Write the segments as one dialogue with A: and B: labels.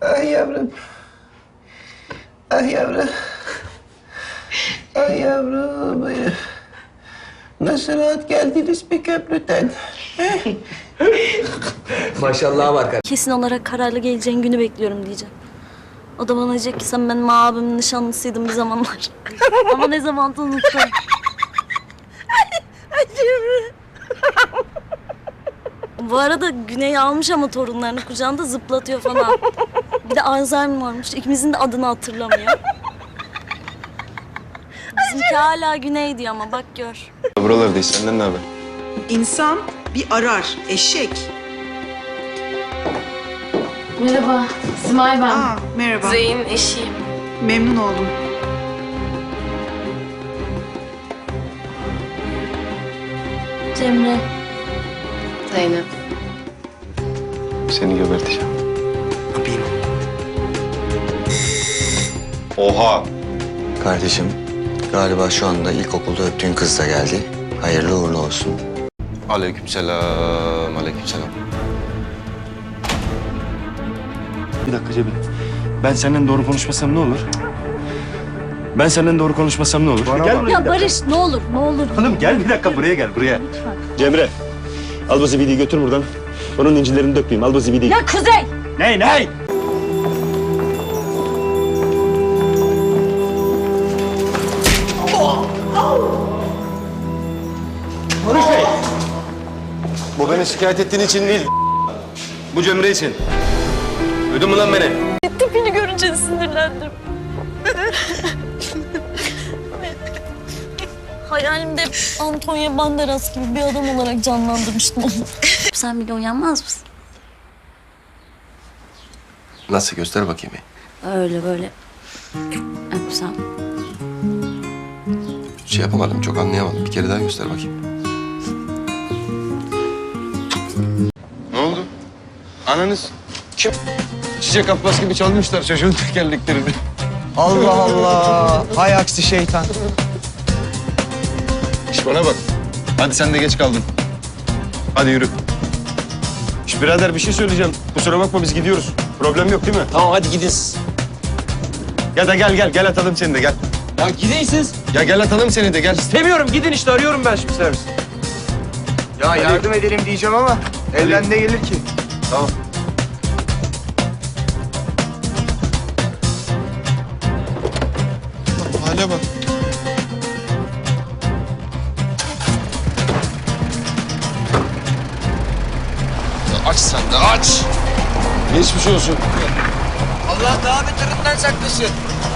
A: Ay yavrum. Ay yavrum. Ay yavrum. Ay. Nasıl rahat geldiniz bir köprüden?
B: Maşallah var kardeşim.
C: Kesin olarak kararlı geleceğin günü bekliyorum diyeceğim. O da bana diyecek ki sen benim abimin nişanlısıydın bir zamanlar. Ama ne zaman unuttum. Bu arada Güney almış ama torunlarını kucağında zıplatıyor falan. Bir de Alzheimer varmış. İkimizin de adını hatırlamıyor. Bizimki hala Güney diyor ama bak gör.
D: Buralardayız. Senden ne haber?
E: İnsan bir arar, eşek.
F: Merhaba, Simay ben.
E: Merhaba.
F: Zeyn eşiyim.
E: Memnun oldum.
C: Cemre.
F: Zeynep.
D: Seni geberteceğim. Oha!
G: Kardeşim, galiba şu anda ilkokulda öptüğün kız da geldi. Hayırlı uğurlu olsun.
D: Aleykümselam, aleykümselam.
H: Bir dakika Cemil. Ben senden doğru konuşmasam ne olur? Ben senden doğru konuşmasam ne olur? Gel buraya.
C: Ya Barış ne olur ne olur.
H: Hanım gel bir dakika buraya gel buraya.
C: Lütfen.
H: Cemre, al bu zibidiyi götür buradan. Onun incilerini dökmeyeyim. Al bu zibidiyi.
C: Ya Kuzey.
H: Ney?
D: Bu beni şikayet ettiğin için değil. Bu Cemre için. Duydun mu lan beni?
C: Tipini görünce sinirlendim. Hayalimde hep Antonio Banderas gibi bir adam olarak canlandırmıştım onu. Sen bile uyanmaz mısın?
D: Nasıl? Göster bakayım.
C: Öyle böyle. Öpsem.
D: Şey yapamadım, çok anlayamadım. Bir kere daha göster bakayım. Ne oldu? Ananız kim? Çiçek Abbas gibi çalmışlar çocuğun tekerleklerini.
B: Allah Allah. Hay aksi şeytan.
D: İş bana bak. Hadi sen de geç kaldın. Hadi yürü.
H: Şş, birader bir şey söyleyeceğim. Kusura bakma biz gidiyoruz. Problem yok değil mi?
B: Tamam hadi gidin siz.
H: Ya da gel atalım seni de gel.
B: Ya gidin siz.
D: Ya gel atalım seni de gel.
B: Demiyorum gidin işte arıyorum ben şimdi servis. Ya yardım edelim diyeceğim ama elden ne gelir ki?
D: Tamam. Hale bak. Ya aç sen de aç. Geçmiş olsun.
B: Allah daha beterinden saklasın.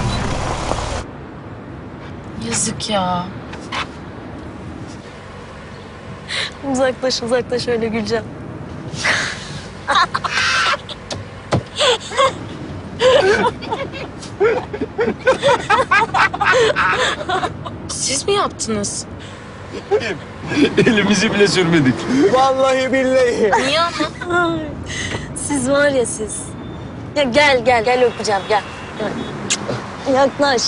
F: Yazık ya.
C: Uzaklaş öyle güleceğim.
F: Siz mi yaptınız?
H: Elimizi bile sürmedik.
B: Vallahi billahi.
F: Niye ama?
C: Siz var ya siz. Ya gel öpeceğim gel. Yaklaş.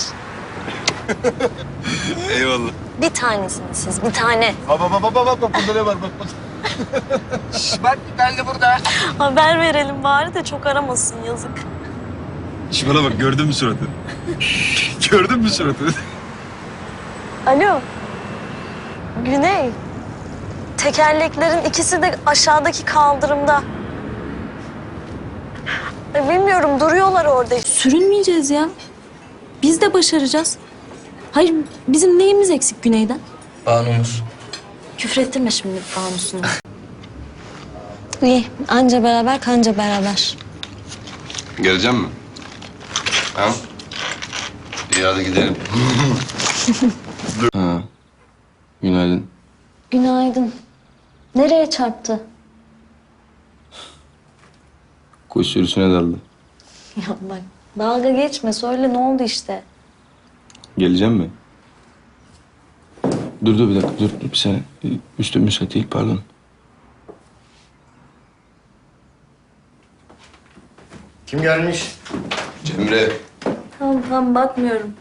D: Eyvallah.
C: Bir tanesiniz siz bir tane.
D: Bak burada ne var bak.
B: Bak ben de burada.
C: Haber verelim bari de çok aramasın yazık.
D: Şu bana bak gördün mü suratını? Gördün mü suratını?
C: Alo. Güney. Tekerleklerin ikisi de aşağıdaki kaldırımda. Bilmiyorum duruyorlar orada. Sürünmeyeceğiz ya. Biz de başaracağız. Hayır bizim neyimiz eksik Güney'den?
B: Banumuz.
C: Küfrettirme şimdi Banu'sunu. İyi anca beraber kanca beraber.
D: Geleceğim mi? Ha? İyi hadi gidelim. Ha. Günaydın.
C: Günaydın. Nereye çarptı?
D: Kuş sürüsüne daldı.
C: Ya bak dalga geçme söyle ne oldu işte.
D: Geleceğim mi? Dur bir dakika dur bir saniye. Üstüm müsait değil pardon.
H: Kim gelmiş?
D: Cemre.
C: Tamam bakmıyorum.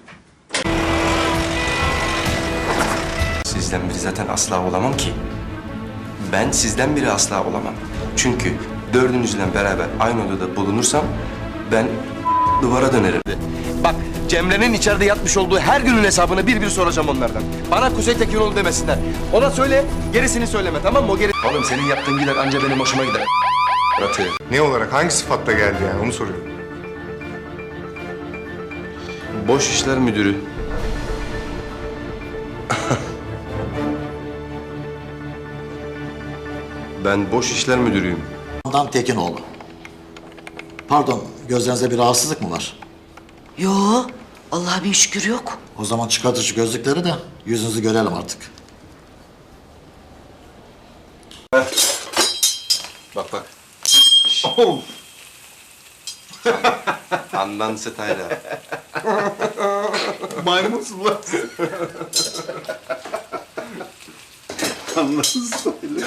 I: Sizden biri zaten asla olamam ki. Ben sizden biri asla olamam. Çünkü dördünüzle beraber aynı odada bulunursam Ben duvara dönerim.
D: Bak Cemre'nin içeride yatmış olduğu her günün hesabını bir bir soracağım onlardan. Bana Kuzey Tekinoğlu demesinler. Ona söyle, gerisini söyleme tamam mı? Oğlum senin yaptığın gider anca benim hoşuma gider.
J: Murat'ı ne olarak, hangi sıfatla geldi yani onu soruyorum.
I: Boş işler müdürü. Ben boş işler müdürüyüm.
K: Handan Tekinoğlu. Pardon, gözlerinizde bir rahatsızlık mı var?
E: Yo, Allah'a bir şükür yok.
K: O zaman çıkartın şu gözlükleri de yüzünüzü görelim artık.
I: Bak bak. Handan Stayla.
J: Maymunsun lan. Anlasın söyle.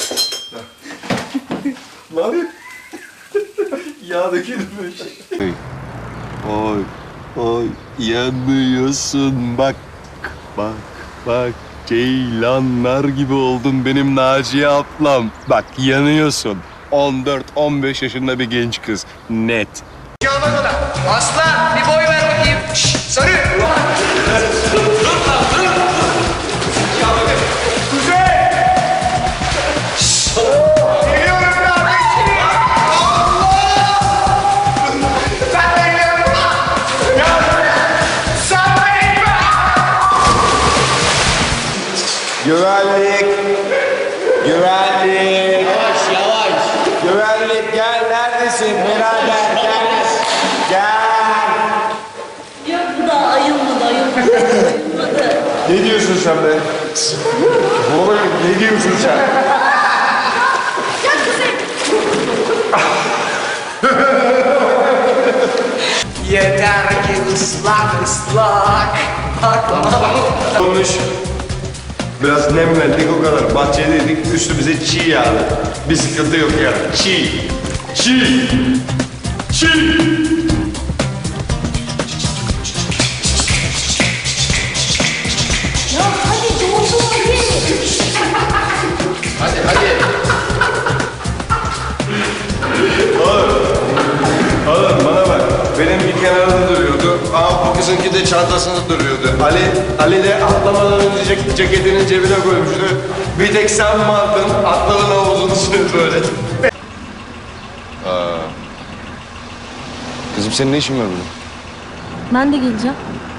J: Lan. Yağ dökülmüş.
D: Oy, oy yanıyorsun bak, bak, bak. Ceylanlar gibi oldun benim Naciye ablam. Bak yanıyorsun. 14-15 yaşında bir genç kız. Net.
B: Aslan bir boy ver bakayım. Şşş, sarı.
A: Güvenlik. Güvenlik. Yavaş yavaş. Güvenlik gel, neredesin birader, gel. Gel.
C: Yok bu da ayılmadı, ayılmadı.
J: Ne diyorsun sen be? Oğlum ne diyorsun sen?
B: Yeter ki ıslak ıslak.
D: Konuş. Biraz nem verdik o kadar. Bahçedeydik, üstümüze çiğ yağdı. Bir sıkıntı yok yani. Çiğ. Çiğ. Çiğ.
C: Ya hadi doğru hadi.
D: Oğlum bana bak. Benimki kenarda duruyordu. Bu kızınki de çantasında duruyordu. Ali de atlamadan önce ceketinin cebine koymuştu. Bir tek sen mi aldın? Atladın havuzun üstüne böyle. Kızım senin ne işin var burada?
C: Ben de geleceğim.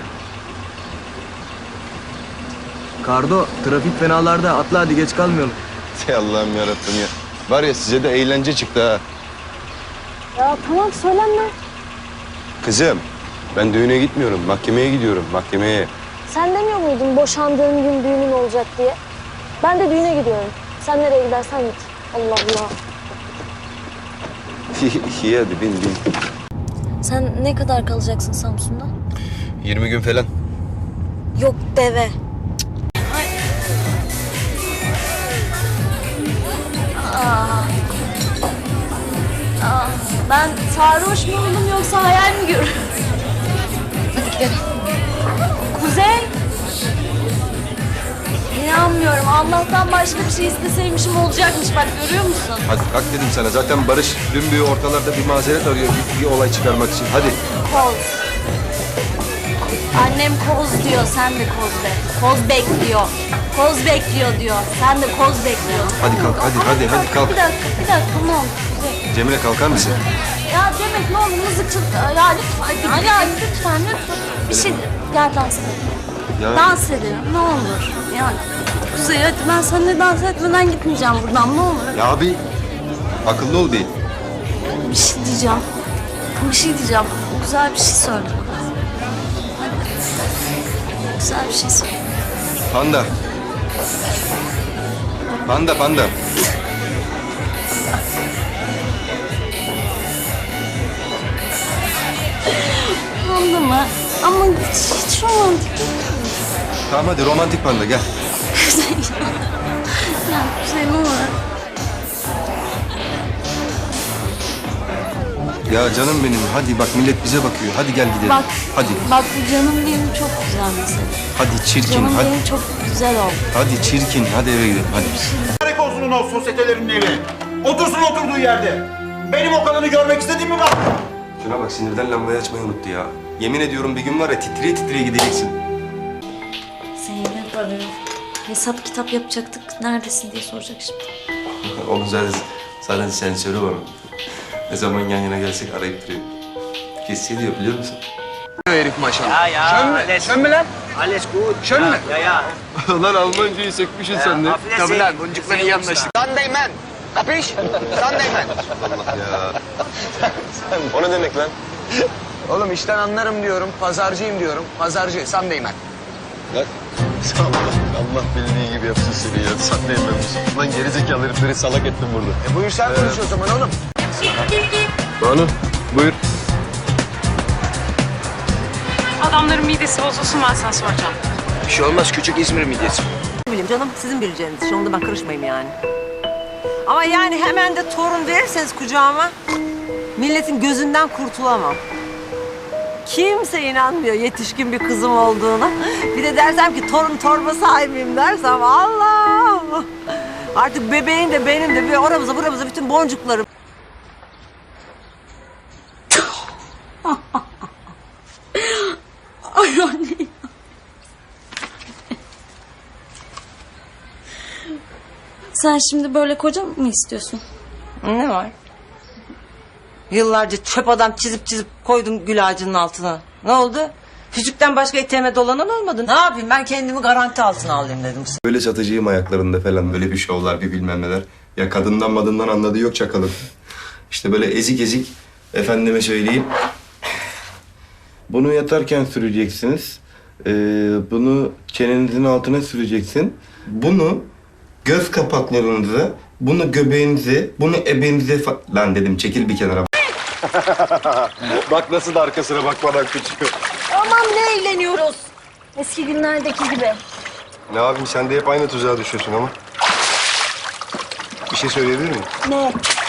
B: Kardo, trafik fenalarda. Atla hadi geç kalmayalım.
D: Ey Allah'ım yarabbim ya. Var ya size de eğlence çıktı ha.
C: Ya tamam söylenme.
D: Kızım ben düğüne gitmiyorum. Mahkemeye gidiyorum. Mahkemeye.
C: Sen demiyor muydun boşandığın gün düğünün olacak diye? Ben de düğüne gidiyorum. Sen nereye gidersen git. Allah Allah.
D: İyi hadi bin.
C: Sen ne kadar kalacaksın Samsun'da?
D: 20 gün falan.
C: Yok deve. Ay. Ben sarhoş mu oldum yoksa hayal mi görüyorum?
F: Hadi gidelim.
C: Kuzey. İnanmıyorum. Allah'tan başka bir şey isteseymişim olacakmış. Bak görüyor musun?
D: Hadi kalk dedim sana. Zaten Barış dün bir ortalarda bir mazeret arıyor. Bir olay çıkarmak için. Hadi.
C: Koz. Annem koz diyor. Sen de koz be. Koz bekliyor. Koz bekliyor diyor. Sen de koz bekliyorsun.
D: Hadi kalk. Hadi kalk.
C: Bir dakika ne olur. Kuzey.
D: Cemile kalkar mısın?
C: Ya Demet ne olur mızıkçılık. Ya lütfen. Ya lütfen. Bir şey gel dans edelim.
D: Ya.
C: Dans edelim ne olur. Yani Kuzey hadi ben seninle dans etmeden gitmeyeceğim buradan ne olur.
D: Ya abi akıllı ol değil.
C: Bir şey diyeceğim. Bir şey diyeceğim. Güzel bir şey söyle. Hadi. Güzel bir şey söyle.
D: Panda. Panda.
C: Anladın mı? Ama hiç romantik değil.
D: Tamam hadi romantik panda gel.
C: Ya Kuzey ne olur.
D: Ya canım benim hadi bak millet bize bakıyor. Hadi gel gidelim.
C: Bak.
D: Hadi.
C: Bak bu canım benim çok güzel mesela.
D: Hadi çirkin.
C: Canım
D: Hadi.
C: benim çok güzel oldu.
D: Hadi çirkin. Hadi eve gidelim. Hadi.
A: Mübarek olsun o sosyetelerin evi. Otursun oturduğu yerde. Benim o kadını görmek istediğim mi var?
I: Şuna bak sinirden lambayı açmayı unuttu ya. Yemin ediyorum bir gün var ya titriye titriye gideceksin.
C: Zeynep arıyor. Hesap kitap yapacaktık. Neredesin diye soracak şimdi.
I: Onu zaten sen söyle bana. Ne zaman yan yana gelsek arayıp duruyor. Hissediyor biliyor musun?
B: Herif maşallah. Şön mü lan?
A: Alles gut.
B: Şön mü?
D: Lan Almancayı sökmüşsün sen de.
B: Tabii lan, boncukla iyi anlaştık. Sandeymen. Kapış? Sandeymen.
D: O ne demek lan?
B: Oğlum işten anlarım diyorum, pazarcıyım diyorum. Pazarcı, sandeymen.
D: Allah bildiği gibi yapsın seni ya. Sen de yememiş. Lan gerizekalı herifleri salak ettin burada.
B: Buyur sen konuş o zaman oğlum.
D: Banu buyur.
F: Adamların midesi bozulsun, ben sana soracağım.
B: Bir şey olmaz, küçük İzmir midyesi.
E: Ne bileyim canım, sizin bileceğiniz iş. Onda ben karışmayayım yani. Ama yani hemen de torun verirseniz kucağıma, milletin gözünden kurtulamam. Kimse inanmıyor yetişkin bir kızım olduğuna. Bir de dersem ki torun torba sahibiyim dersem Allah! Artık bebeğin de benim de bir oramıza buramıza bütün boncuklarım.
C: Ay anne. Sen şimdi böyle koca mı istiyorsun?
E: Ne var? Yıllarca çöp adam çizip koydum gül ağacının altına. Ne oldu? Füzükten başka eteğime dolanan olmadı. Ne yapayım, ben kendimi garanti altına alayım dedim.
D: Böyle satıcıyım ayaklarında falan böyle bir şovlar bir bilmem neler. Ya kadından madından anladığı yok çakalın. İşte böyle ezik ezik efendime söyleyeyim. Bunu yatarken süreceksiniz. Bunu çenenizin altına süreceksin. Bunu göz kapaklarınıza, bunu göbeğinize, bunu ebenize lan dedim çekil bir kenara. Bak nasıl da arkasına bakmadan kaçıyor.
C: Aman ne eğleniyoruz. Eski günlerdeki gibi.
D: Ne yapayım sen de hep aynı tuzağa düşüyorsun ama. Bir şey söyleyebilir miyim?
C: Ne?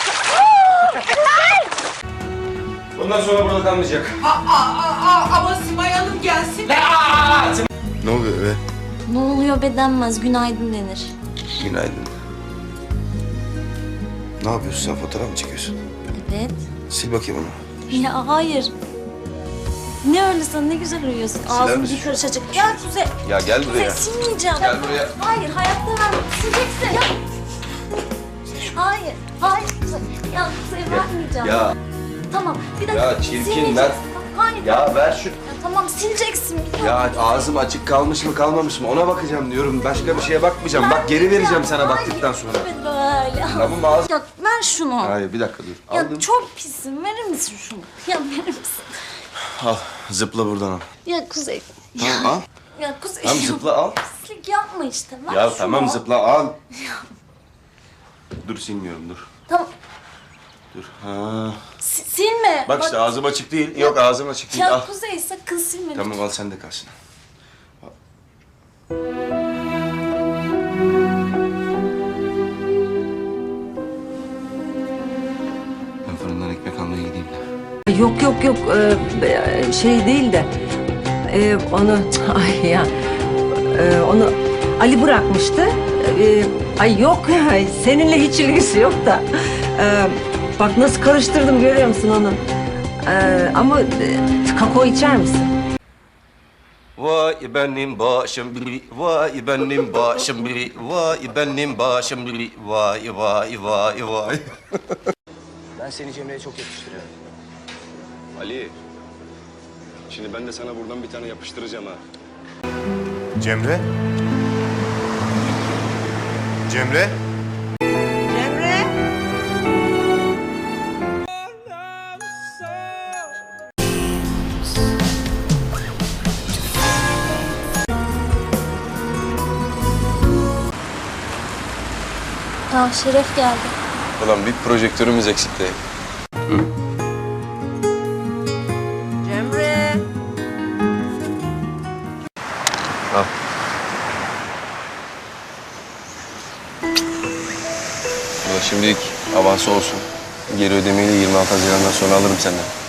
I: Bundan sonra burada kalmayacak.
E: Ama Simay Hanım gelsin.
D: Ne oluyor be?
C: Ne oluyor be denmez. Günaydın denir.
I: Günaydın. Ne yapıyorsun sen? Fotoğraf mı çekiyorsun?
C: Evet.
I: Sil bakayım onu.
C: Ya hayır. Ne öyle sen ne güzel uyuyorsun. Ağzın
I: misin?
C: bir karış açık. Ya Kuzey.
I: Ya gel
C: Kuzey
I: buraya.
C: silmeyeceğim.
I: Gel buraya.
C: Hayır hayatta vermem. Sileceksin. Ya. Hayır. Hayır Kuzey. Ya Kuzey vermeyeceğim.
I: Ya.
C: Tamam bir dakika.
I: Ya çirkin,
C: Silmeyeceksin.
I: ver.
C: Hayır.
I: Ya ver şu...
C: Ya tamam sileceksin.
I: Ya ağzım açık kalmış mı kalmamış mı ona bakacağım diyorum. Başka bir şeye bakmayacağım. Bak geri vereceğim sana baktıktan sonra.
C: Evet böyle.
I: Tamam ağzım.
C: Ya ver şunu.
I: Hayır bir dakika dur.
C: Ya
I: Aldım.
C: çok pisin. Verir misin şunu? Ya verir misin?
I: Al zıpla buradan al.
C: Ya Kuzey.
I: Tamam al.
C: Ya Kuzey.
I: Tamam zıpla al.
C: Pislik yapma işte. Ver
I: Ya
C: şunu.
I: tamam zıpla al. Dur silmiyorum dur.
C: Tamam.
I: Dur. Ha.
C: Silme.
I: Bak işte ağzım açık değil. Yok ağzım açık değil.
C: Ya
I: Al.
C: Kuzey sakın silme.
I: Tamam al sen de kalsın. Ben fırından ekmek almaya gideyim de.
E: Yok şey değil de onu ay ya onu Ali bırakmıştı. Ay yok ya seninle hiç ilgisi yok da bak nasıl karıştırdım görüyor musun onu? Ama kakao içer misin?
I: Vay benim başım biri, vay benim başım biri, vay benim başım biri, vay vay vay vay.
B: Ben seni Cemre'ye çok yakıştırıyorum.
D: Ali. Şimdi ben de sana buradan bir tane yapıştıracağım ha.
J: Cemre? Cemre?
E: Cemre.
C: Aa Şeref geldi.
D: Ulan bir projektörümüz eksikti.
E: Cemre.
D: Al. Ulan şimdilik avansı olsun. Geri ödemeyi de 26 Haziran'dan sonra alırım senden.